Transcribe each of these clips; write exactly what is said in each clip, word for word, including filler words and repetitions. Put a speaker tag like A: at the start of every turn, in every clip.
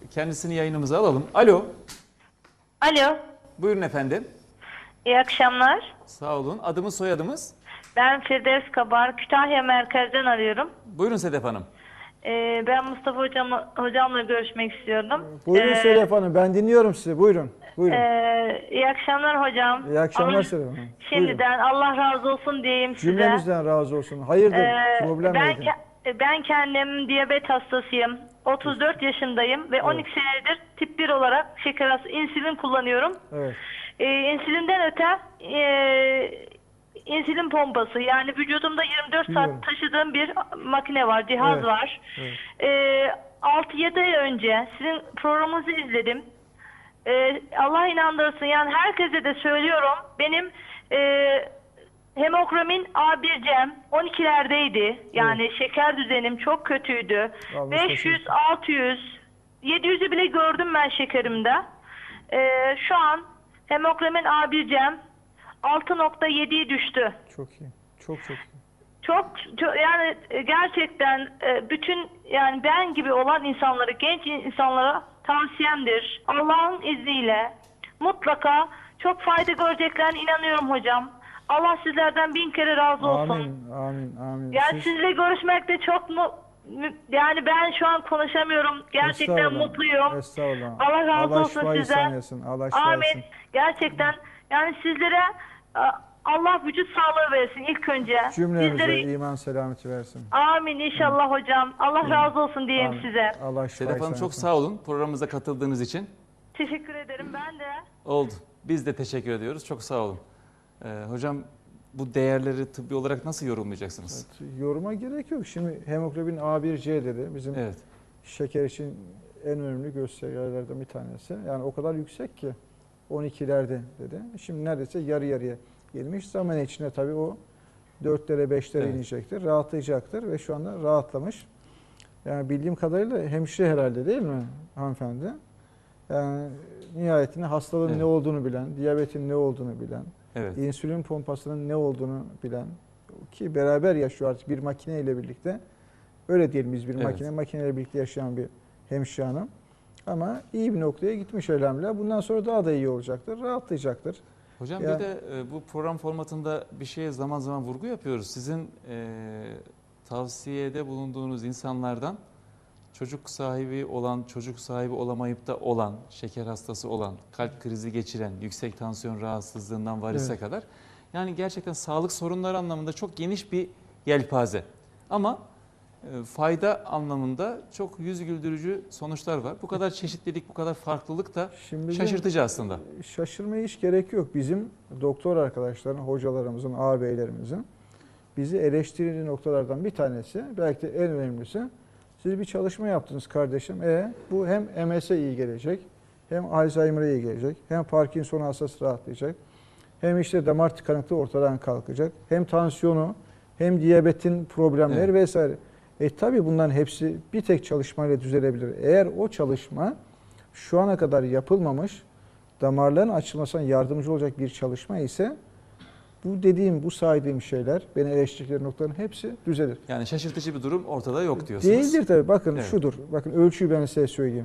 A: kendisini yayınımıza alalım. Alo.
B: Alo.
A: Buyurun efendim.
B: İyi akşamlar.
A: Sağ olun. Adımız soyadımız?
B: Ben Firdevs Kabar. Kütahya merkezden arıyorum.
A: Buyurun Sedef Hanım.
B: Ee, ben Mustafa hocam, hocamla görüşmek istiyordum.
C: Buyurun
B: Ee,
C: Sedef Hanım, ben dinliyorum sizi. Buyurun. Buyurun.
B: e, iyi akşamlar hocam.
C: İyi akşamlar
B: Allah-
C: Sedef Hanım.
B: Şimdiden Allah razı olsun diyeyim size.
C: Cümlemizden razı olsun. Hayırdır?
B: Ee,
C: Problem
B: ben,
C: neydi?
B: ke- ben kendim diyabet hastasıyım. otuz dört yaşındayım ve on iki senedir tip bir olarak şeker hastası insülin kullanıyorum.
C: Evet.
B: Ee, insülinden öte e, insülin pompası, yani vücudumda yirmi dört
C: Biliyorum.
B: saat taşıdığım bir makine var, cihaz
C: Evet,
B: var.
C: evet.
B: Ee, altı yedi ay önce sizin programınızı izledim. Ee, Allah inandırsın, yani herkese de söylüyorum, benim e, hemokromin A bir C'm on ikilerdeydi. Yani şeker düzenim çok kötüydü.
C: Allah
B: beş yüz, altı yüz, yedi yüzü bile gördüm ben şekerimde. Ee, şu an hemokromin A bir C'm altı nokta yediye düştü.
C: Çok iyi. Çok çok iyi.
B: Çok, çok yani gerçekten e, bütün, yani ben gibi olan insanları, genç insanlara tavsiyemdir. Allah'ın izniyle mutlaka çok fayda göreceklerine inanıyorum hocam. Allah sizlerden bin kere razı olsun.
C: Amin. Amin. Amin.
B: Yani
C: Siz-
B: sizinle görüşmek de çok mu mu- yani ben şu an konuşamıyorum. Gerçekten
C: Estağfurullah,
B: mutluyum.
C: Estağfurullah.
B: Allah razı
C: Allah
B: olsun
C: şifa
B: size.
C: ihsan etsin. Allah şifa
B: Amin.
C: etsin.
B: Gerçekten yani sizlere e, Allah vücut sağlığı versin ilk önce.
C: Cümlemize
B: Sizleri,
C: iman selameti versin.
B: amin inşallah hocam. Allah razı olsun diyeyim
C: Amin.
B: size.
C: Allah şifa
A: Sedef Hanım
C: ihsan
A: çok
C: etsin.
A: sağ olun programımıza katıldığınız için.
B: Teşekkür ederim ben de.
A: Oldu. Biz de teşekkür ediyoruz. Çok sağ olun. Ee, hocam bu değerleri tıbbi olarak nasıl yorumlayacaksınız?
C: Evet, yoruma gerek yok. Şimdi hemoglobin A bir C dedi. Bizim
A: Evet.
C: şeker için en önemli göstergelerden bir tanesi. Yani o kadar yüksek ki on ikilerde dedi. Şimdi neredeyse yarı yarıya gelmiş. Zaman içinde tabii o dörtlere beşlere
A: Evet.
C: inecektir. Rahatlayacaktır ve şu anda rahatlamış. Yani bildiğim kadarıyla hemşire herhalde değil mi hanımefendi? Yani nihayetinde hastalığın
A: Evet.
C: ne olduğunu bilen, diyabetin ne olduğunu bilen,
A: Evet.
C: insülin pompasının ne olduğunu bilen ki beraber yaşıyor artık bir makine ile birlikte. Öyle diyelim biz bir
A: Evet.
C: makine, makineyle birlikte yaşayan bir hemşire hanım. Ama iyi bir noktaya gitmiş elhamdülillah. Bundan sonra daha da iyi olacaktır, rahatlayacaktır.
A: Hocam
C: Ya-
A: bir de e, bu program formatında bir şeye zaman zaman vurgu yapıyoruz. Sizin e, tavsiyede bulunduğunuz insanlardan çocuk sahibi olan, çocuk sahibi olamayıp da olan, şeker hastası olan, kalp krizi geçiren, yüksek tansiyon rahatsızlığından varise
C: Evet.
A: kadar. Yani gerçekten sağlık sorunları anlamında çok geniş bir yelpaze. Ama e, fayda anlamında çok yüz güldürücü sonuçlar var. Bu kadar çeşitlilik, bu kadar farklılık da
C: Şimdi de
A: şaşırtıcı aslında.
C: şaşırmaya hiç gerek yok. Bizim doktor arkadaşların, hocalarımızın, ağabeylerimizin bizi eleştirdiği noktalardan bir tanesi, belki de en önemlisi, siz bir çalışma yaptınız kardeşim. E bu hem M S'e iyi gelecek, hem Alzheimer'a iyi gelecek, hem Parkinson hastası rahatlayacak, hem işte damar tıkanıklığı ortadan kalkacak, hem tansiyonu, hem diyabetin problemleri
A: Evet.
C: vesaire. E tabii bunların hepsi bir tek çalışmayla düzelebilir. Eğer o çalışma şu ana kadar yapılmamış, damarların açılmasına yardımcı olacak bir çalışma ise bu dediğim, bu saydığım şeyler, beni eleştirdikleri noktaların hepsi düzelir.
A: Yani şaşırtıcı bir durum ortada yok diyorsunuz.
C: Değildir tabii. Bakın
A: Evet.
C: şudur. Bakın ölçüyü ben size söyleyeyim.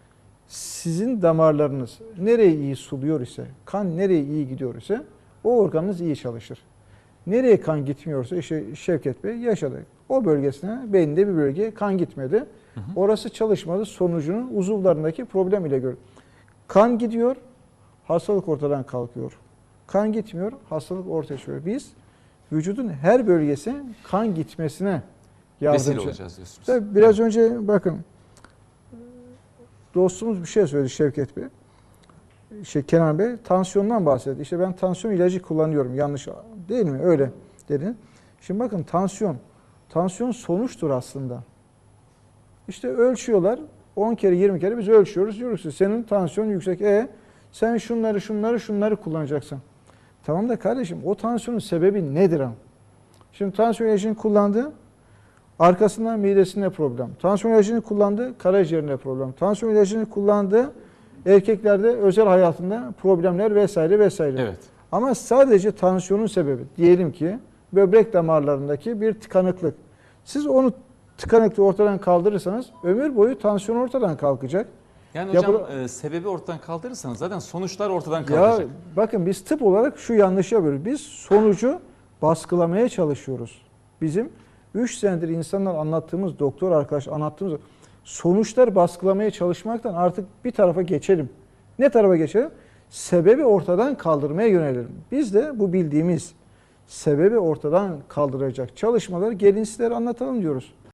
C: Sizin damarlarınız nereye iyi suluyor ise, kan nereye iyi gidiyor ise o organınız iyi çalışır. Nereye kan gitmiyorsa işte Şevket Bey yaşadı. O bölgesine, beyninde bir bölgeye kan gitmedi.
A: Hı hı.
C: Orası çalışmadı. Sonucunu uzuvlarındaki problem ile görür. Kan gidiyor, hastalık ortadan kalkıyor. Kan gitmiyor, hastalık ortaya çıkıyor. Biz vücudun her bölgesi kan gitmesine
A: Vesile
C: yardımcı.
A: olacağız diyorsunuz.
C: Tabii biraz önce bakın dostumuz bir şey söyledi Şevket Bey. Şey Kenan Bey tansiyondan bahsetti. İşte ben tansiyon ilacı kullanıyorum. Yanlış değil mi? Öyle dedi. Şimdi bakın tansiyon. Tansiyon sonuçtur aslında. İşte ölçüyorlar. on kere yirmi kere biz ölçüyoruz. Diyoruz ki senin tansiyon yüksek. E sen şunları şunları şunları kullanacaksın. Tamam da kardeşim o tansiyonun sebebi nedir ama? Şimdi tansiyon ilacını kullandı. Arkasından midesinde problem. Tansiyon ilacını kullandı, karaciğerinde problem. Tansiyon ilacını kullandı, erkeklerde özel hayatında problemler vesaire vesaire.
A: Evet.
C: Ama sadece tansiyonun sebebi, diyelim ki böbrek damarlarındaki bir tıkanıklık. Siz onu tıkanıklığı ortadan kaldırırsanız ömür boyu tansiyon ortadan kalkacak.
A: Yani hocam
C: Yapıla-
A: e, sebebi ortadan kaldırırsanız zaten sonuçlar ortadan
C: Ya
A: kalkacak.
C: bakın biz tıp olarak şu yanlışı yapıyoruz. Biz sonucu baskılamaya çalışıyoruz. Bizim üç senedir insanlar anlattığımız, doktor arkadaş anlattığımız sonuçları baskılamaya çalışmaktan artık bir tarafa geçelim. Ne tarafa geçelim? Sebebi ortadan kaldırmaya yönelelim. Biz de bu bildiğimiz sebebi ortadan kaldıracak çalışmaları gelin sizlere anlatalım diyoruz.